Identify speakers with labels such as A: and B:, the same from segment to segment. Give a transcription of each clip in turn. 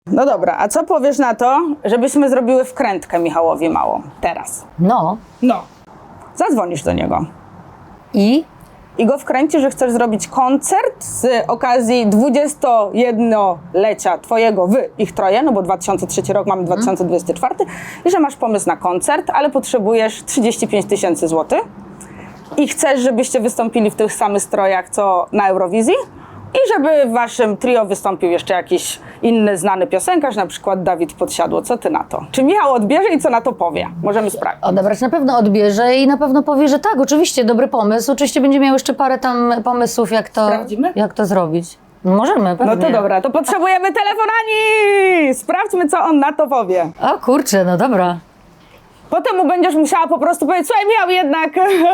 A: No dobra, a co powiesz na to, żebyśmy zrobiły wkrętkę Michałowi małą teraz?
B: No.
A: No. Zadzwonisz do niego.
B: I?
A: I go wkręcisz, że chcesz zrobić koncert z okazji 21-lecia twojego ich troje, no bo 2003 rok, mamy 2024 i że masz pomysł na koncert, ale potrzebujesz 35 000 złotych i chcesz, żebyście wystąpili w tych samych strojach, co na Eurowizji i żeby w waszym trio wystąpił jeszcze jakiś inny znany piosenkarz, na przykład Dawid Podsiadło. Co ty na to? Czy Michał odbierze i co na to powie? Możemy sprawdzić.
B: Odebrać na pewno odbierze i na pewno powie, że tak, oczywiście, dobry pomysł. Oczywiście będzie miał jeszcze parę tam pomysłów,
A: Sprawdzimy?
B: jak to zrobić. Możemy, pewnie.
A: No to dobra, to potrzebujemy telefonani! Sprawdźmy, co on na to powie.
B: O kurczę, no dobra.
A: Potem mu będziesz musiała po prostu powiedzieć, słuchaj, Michał, jednak...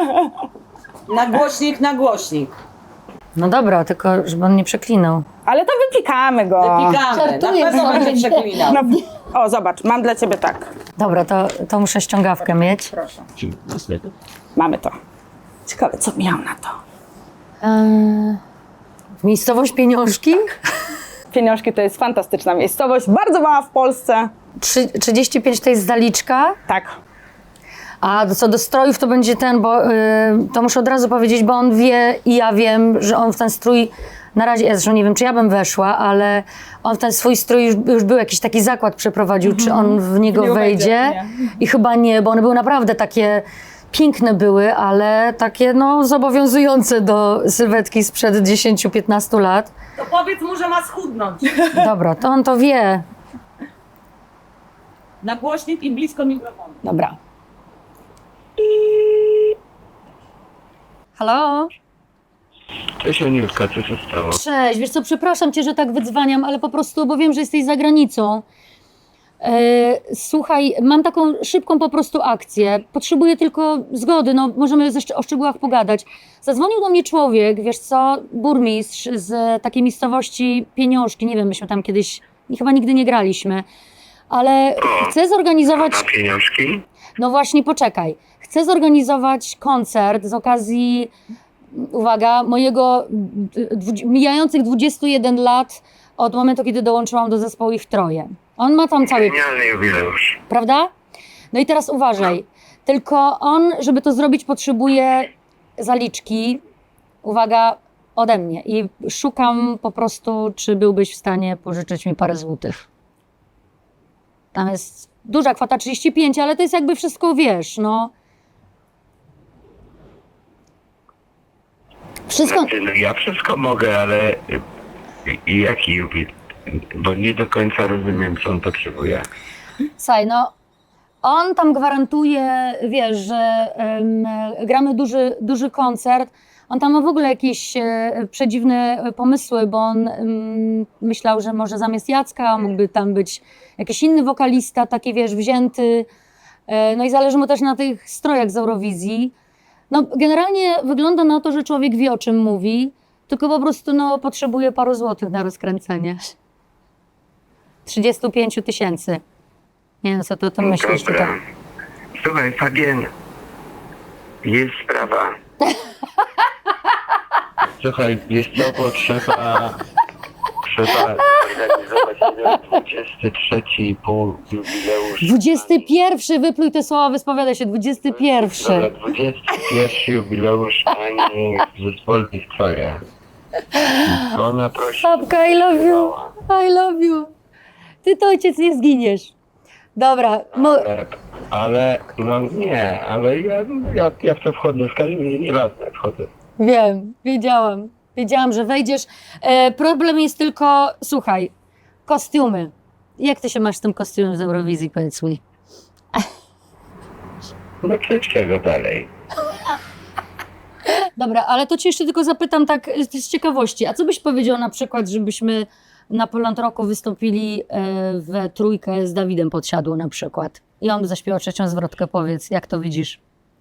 C: Na głośnik.
B: No dobra, tylko żeby on nie przeklinał.
A: Ale to wypikamy go.
C: Wypikamy. Na
B: Żartuję
C: pewno
B: sobie.
C: będzie przeklinał.
A: No, o, zobacz, mam dla ciebie tak.
B: Dobra, to muszę ściągawkę mieć.
A: Proszę. Mamy to. Ciekawe, co Michał na to.
B: Miejscowość Pieniążki?
A: Pieniążki to jest fantastyczna miejscowość, bardzo mała w Polsce.
B: 35 to jest zaliczka.
A: Tak.
B: A co do strojów to będzie bo to muszę od razu powiedzieć, bo on wie i ja wiem, że on w ten strój, na razie, ja zresztą nie wiem, czy ja bym weszła, ale on w ten swój strój już był jakiś taki zakład przeprowadził, czy on w niego
A: Nie
B: wejdzie.
A: wejdzie,
B: I chyba nie, bo one były naprawdę takie, piękne były, ale takie no zobowiązujące do sylwetki sprzed 10-15 lat.
C: To powiedz mu, że ma schudnąć.
B: Dobra, to on to wie.
C: Na głośnik i blisko mikrofonu.
A: Dobra.
B: Halo?
D: Cześć Anielka, co się stało?
B: Cześć, wiesz co, przepraszam cię, że tak wydzwaniam, ale po prostu, bo wiem, że jesteś za granicą. Słuchaj, mam taką szybką po prostu akcję. Potrzebuję tylko zgody, no możemy jeszcze o szczegółach pogadać. Zadzwonił do mnie człowiek, wiesz co, burmistrz z takiej miejscowości Pieniążki, nie wiem, myśmy tam kiedyś, chyba nigdy nie graliśmy, ale chcę zorganizować...
D: A pieniążki?
B: No właśnie, poczekaj. Chcę zorganizować koncert z okazji, uwaga, mojego mijających 21 lat od momentu, kiedy dołączyłam do zespołu Ich Troje. On ma tam cały...
D: Genialny jubileusz.
B: Prawda? No i teraz uważaj. Tylko on, żeby to zrobić, potrzebuje zaliczki, uwaga, ode mnie. I szukam po prostu, czy byłbyś w stanie pożyczyć mi parę złotych. Tam jest duża kwota, 35, ale to jest jakby wszystko, wiesz, no. Wszystko...
D: Znaczy, no ja wszystko mogę, ale jaki jubileusz? Bo nie do końca rozumiem, co on potrzebuje.
B: Słuchaj, no, on tam gwarantuje, wiesz, że gramy duży koncert. On tam ma w ogóle jakieś przedziwne pomysły, bo on myślał, że może zamiast Jacka mógłby tam być jakiś inny wokalista, taki, wiesz, wzięty. No i zależy mu też na tych strojach z Eurowizji. No, generalnie wygląda na to, że człowiek wie, o czym mówi, tylko po prostu, no, potrzebuje paru złotych na rozkręcenie. 35 000. Nie wiem, co to myślisz
D: Dobra.
B: tutaj.
D: Słuchaj, Fabien, jest sprawa. Słuchaj, jest co, bo trzeba zorganizować 23 jubileusz.
B: 21, wypluj te słowa, wyspowiada się, 21.
D: Dobra, 21 jubileusz pani w zespole Ich Troje. Ona prosi...
B: Babka, I love you, I love you. Ty to ojciec nie zginiesz. Dobra,
D: Ale, no nie, ale ja w to wchodzę, w każdym razie nieważne, wchodzę.
B: wiem, wiedziałam, że wejdziesz. Problem jest tylko, słuchaj, kostiumy. Jak ty się masz z tym kostiumem z Eurowizji, powiedz mi?
D: No czego dalej?
B: Dobra, ale to cię jeszcze tylko zapytam tak z ciekawości. A co byś powiedział na przykład, żebyśmy na Poland Rocku wystąpili we trójkę z Dawidem Podsiadło na przykład? I on by zaśpiewał trzecią zwrotkę, powiedz, jak to widzisz?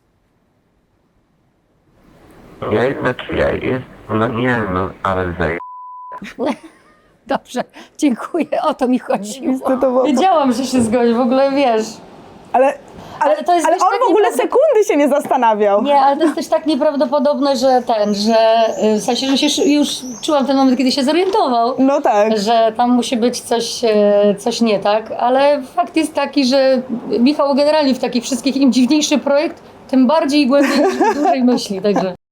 D: No nie, no ale
B: Dobrze, dziękuję, o to mi chodziło.
A: To było...
B: Wiedziałam, że się zgodzi, w ogóle wiesz.
A: Ale
B: to jest,
A: ale
B: wiesz,
A: on
B: tak
A: w ogóle
B: nieprawda-
A: sekundy się nie zastanawiał.
B: Nie, ale to jest też tak nieprawdopodobne, że w sensie, że się już czułam ten moment, kiedy się zorientował,
A: No tak.
B: że tam musi być coś nie tak, ale fakt jest taki, że Michał generalnie w takich wszystkich im dziwniejszy projekt, tym bardziej głębiej, dłużej myśli, także.